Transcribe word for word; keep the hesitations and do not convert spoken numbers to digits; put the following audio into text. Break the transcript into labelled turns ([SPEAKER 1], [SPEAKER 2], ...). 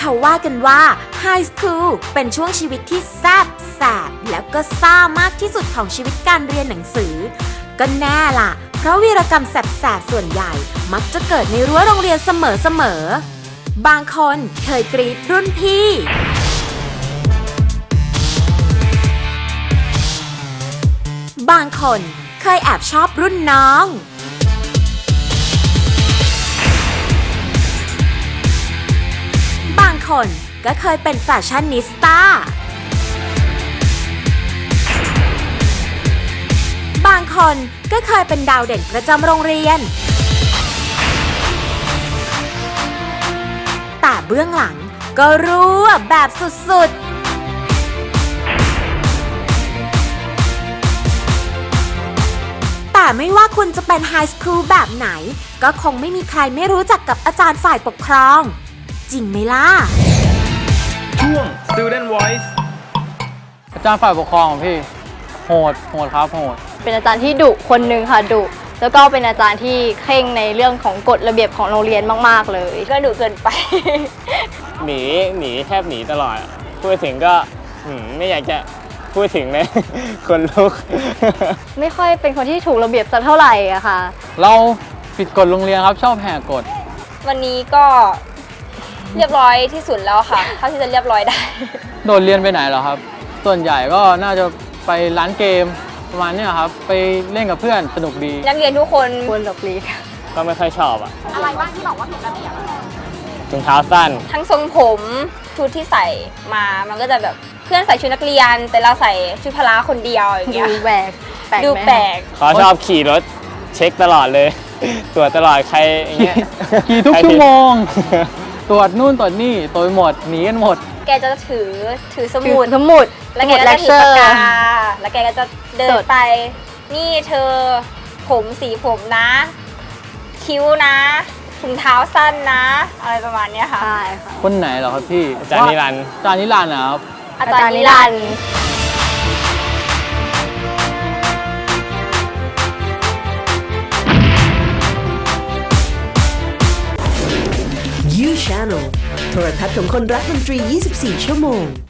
[SPEAKER 1] เขาว่ากันว่าไฮสคูลเป็นช่วงชีวิตที่แซ่บแสบแล้วก็ซ่ามากที่สุดของชีวิตการเรียนหนังสือก็แน่ล่ะเพราะวีรกรรมแสบๆส่วนใหญ่มักจะเกิดในรั้วโรงเรียนเสมอๆบางคนเคยกรีดรุ่นพี่บางคนเคยแอบชอบรุ่นน้องบางคนก็เคยเป็นแฟชั่นนิสต้าบางคนก็เคยเป็นดาวเด่นประจำโรงเรียนแต่เบื้องหลังก็รั่วแบบสุดๆแต่ไม่ว่าคุณจะเป็นไฮสคูลแบบไหนก็คงไม่มีใครไม่รู้จักกับอาจารย์ฝ่ายปกครองจริงไหมล่ะ
[SPEAKER 2] ช่วง Student Voice
[SPEAKER 3] อาจารย์ฝ่ายปกครองของพี่โหดโหดครับโหด
[SPEAKER 4] เป็นอาจารย์ที่ดุคนหนึ่งค่ะดุแล้วก็เป็นอาจารย์ที่เคร่งในเรื่องของกฎระเบียบของโรงเรียนมากๆเลยก็ดุเกินไป
[SPEAKER 2] หนีหนีแทบหนีตลอดพูดถึงก็ไม่อยากจะพูดถึงเลยคนลุก
[SPEAKER 4] ไม่ค่อยเป็นคนที่ถูกระเบียบสักเท่าไหร่อะค่ะ
[SPEAKER 3] เราผิดกฎโรงเรียนครับชอบแหกกฎ
[SPEAKER 5] วันนี้ก็เรียบร้อยที่สุดแล้วค่ะเท่าที่จะเรียบร้อยได้
[SPEAKER 3] โดดเรียนไปไหนเหรอครับส่วนใหญ่ก็น่าจะไปร้านเกมประมาณนี้ครับไปเล่นกับเพื่อนสนุกดี
[SPEAKER 5] นักเรียนทุกคน
[SPEAKER 4] ควรหลบหลีก
[SPEAKER 2] ก็ไม่ค่อยชอบอะ
[SPEAKER 5] อะไรบ้างที่บอกว่าถูกระเบียบ
[SPEAKER 2] ถุงเท้าสั้น
[SPEAKER 5] ทั้งทรงผมชุดที่ใส่มามันก็จะแบบเพื่อนใส่ชุดนักเรียนแต่เราใส่ชุดพละคนเดียวอย่างเงี้ย
[SPEAKER 4] ดูแปลก
[SPEAKER 5] ดูแปลก
[SPEAKER 2] เขาชอบขี่รถเช็คตลอดเลยตรวจตลอดใครอย่างเงี้ย
[SPEAKER 3] ขี่ทุกชั่วโมงตรวจนู่นตรวจนี่ตรวจหมดหนีกันหมด
[SPEAKER 5] แกจะถือถือสมุด
[SPEAKER 4] สมุด
[SPEAKER 5] แล้วแกก็จะถือปากกาแล้วแกก็จะเดินไปนี่เธอผมสีผมนะคิ้วนะถุงเท้าสั้นนะอะไรประมาณนี้ค่ะ
[SPEAKER 4] ใช่ค่ะ
[SPEAKER 3] คนไหนเหรอครับพี่
[SPEAKER 2] อาจารย์นิรันดร์
[SPEAKER 3] อาจารย์นิรันดร์นะครับ
[SPEAKER 5] อาจารย์นิรันดร์
[SPEAKER 1] ยู Channel โทรทัศน์ของคนรักดนตรียี่สิบสี่ชั่วโมง